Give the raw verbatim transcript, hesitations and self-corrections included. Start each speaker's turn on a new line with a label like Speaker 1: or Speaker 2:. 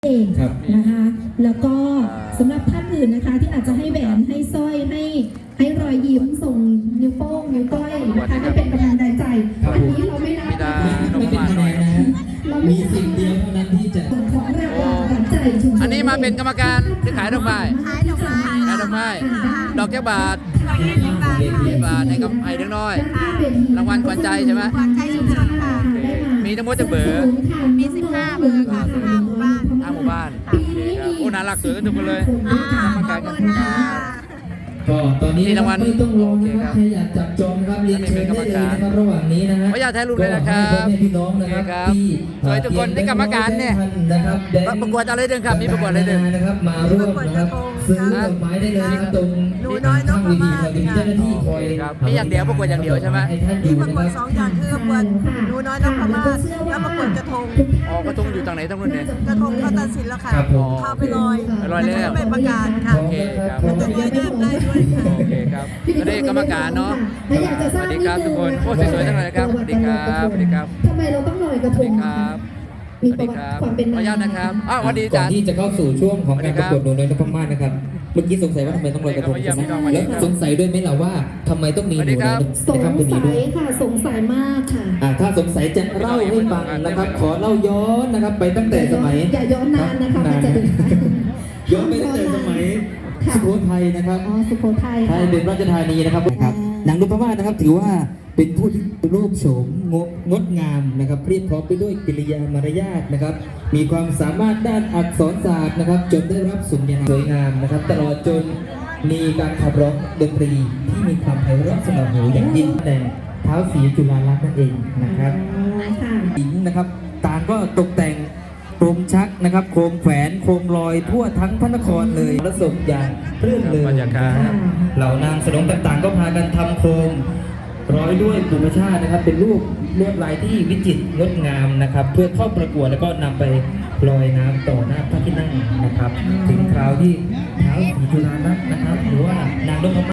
Speaker 1: เองนะคะแล้วก็สำหรับท่านอื่นนะคะที่อาจจะให้แหวนให้สร้อยให้ให้รอยยิ้มส่งนิ้วโป้งนิ้วก้อยนะคะให้เป็นกำลังใจอันนี้เราไม่นับ
Speaker 2: ไม่เป็นคะแนนนะมีสิ่งเดียวเท่านั้นที่จะ
Speaker 1: ของรางวัลขวัญใจชุมชน
Speaker 3: อันนี้มาเป็นกรรมการที่ขายดอกไม้
Speaker 4: ขายดอกไม้
Speaker 3: ขายดอกไม้ดอกแก้วบาทยี่บาทให้กับไอ้เด็กน้อยรางวัลขวัญใจใช่ไหม
Speaker 4: ขวัญใจชุมชนค่ะ
Speaker 3: มีทั้งหมดจะเบอร์
Speaker 4: มีสิบห้าเบอร์ค่ะสิบห้าหมู่บ้าน
Speaker 3: ห้าหมู่บ้านโอ้น่ารักสวยกันทุกคนเลยกรรมการกัน
Speaker 2: ก็ตอนนี้ไม่ต้องรอนะครับใครอยากจับจองครับเรียนเชิญได้เลยนะครับระหว่างนี้นะฮะ
Speaker 3: ขออนุญาตถ่ายรูปเลยนะครับ
Speaker 2: พี่น้องนะครับที่
Speaker 3: สวยทุกคนที่กรรมการเนี่ยประกวดอะไรเดินครับมีประกวดอะไรเดิน
Speaker 2: นะครับมาร่วมนะครับซื้อดอกไม้ได้เลยนะครับตรงข้างเวทีเราจะมีเจ้าหน้าที่คอย
Speaker 3: มีอย่างเดียวประกวดอย่างเดียวใช่ไหม
Speaker 4: มีประกวดสองอย่างคือประกวดหนูน้อยนพมาศแล้วประกวดกระทง
Speaker 3: อ๋อกระทงอยู่ตรงไหนตรงนู้นเนี่ย
Speaker 4: กระทงเขาตัดสินแล้วค่ะเข้าไปลอย
Speaker 3: ลอยแล้ว
Speaker 4: ไปประกาศค่ะ
Speaker 3: โอเคครับ
Speaker 4: แต่เยอะแยะได้ด้วย
Speaker 3: โอเคครับก็ได้กรรมการเนาะสวัสดีครับทุกคนโอ้สวยๆทั้งนั้นนะครับสวัสดีครับสวัสดีครับ
Speaker 1: ทำไมเราต้องลอยกระทง
Speaker 3: ครับ
Speaker 1: มีประวัติความเป็น
Speaker 3: ขออนุญาตนะครับอ้าวสวัสดีจ้า
Speaker 2: ที่จะเข้าสู่ช่วงของการประกวดหนูน้อยนพมาศนะครับเมื่อกี้สงสัยว่าทำไมต้องลอยกระทงใช่ไหมแล้วสงสัยด้วยไหมล่ะว่าทำไมต้องมีหนูน้อย
Speaker 1: สงสัยค่ะสงสัยมากค่ะ
Speaker 2: ถ้าสงสัยจะเล่าให้ฟังนะครับขอเล่าย้อนนะครับไปตั้งแต่สมัย
Speaker 1: อย่าย้อนนานนะคะมันจะดึง
Speaker 2: ย้อนไปตั้งแต่สมัยสุโขทัยนะครับ
Speaker 1: อ๋อสุโขทัย
Speaker 2: ไทยเป็นราชธานีนะครับนะครับนางนพมาศนะครับถือว่าเป็นผู้ที่รูปโฉมงดงดงามนะครับเรียบพร้อมไปด้วยกิริยามารยาทนะครับมีความสามารถด้านอักษรศาสตร์นะครับจนได้รับสุนทรสวยงามนะครับตลอดจนมีการขับร้องดนตรีที่มีความไพเราะสนอหูอย่างยิ่งแต่เท้าสีจุฬาลักษณ์นั่นเองนะครับหญิงนะครับต่างก็ตกแต่งโคมชักนะครับโคมแขวนโคมลอยทั่วทั้งพระนครเลยและสมอย่างเรื่นเลยนะครับเหล่านางสนมต่างๆก็พากันทำโคมร้อยด้วยธรรมชาตินะครับเป็นรูปลวดลายที่วิจิตรงดงามนะครับเพื่อเข้าประกวดแล้วก็นำไปลอยน้ำต่อหน้าพระที่นั่งนะครับถึงคราวที่เท้าศรีจุฬาลักษณ์นะครับหรือว่านางนพมาศ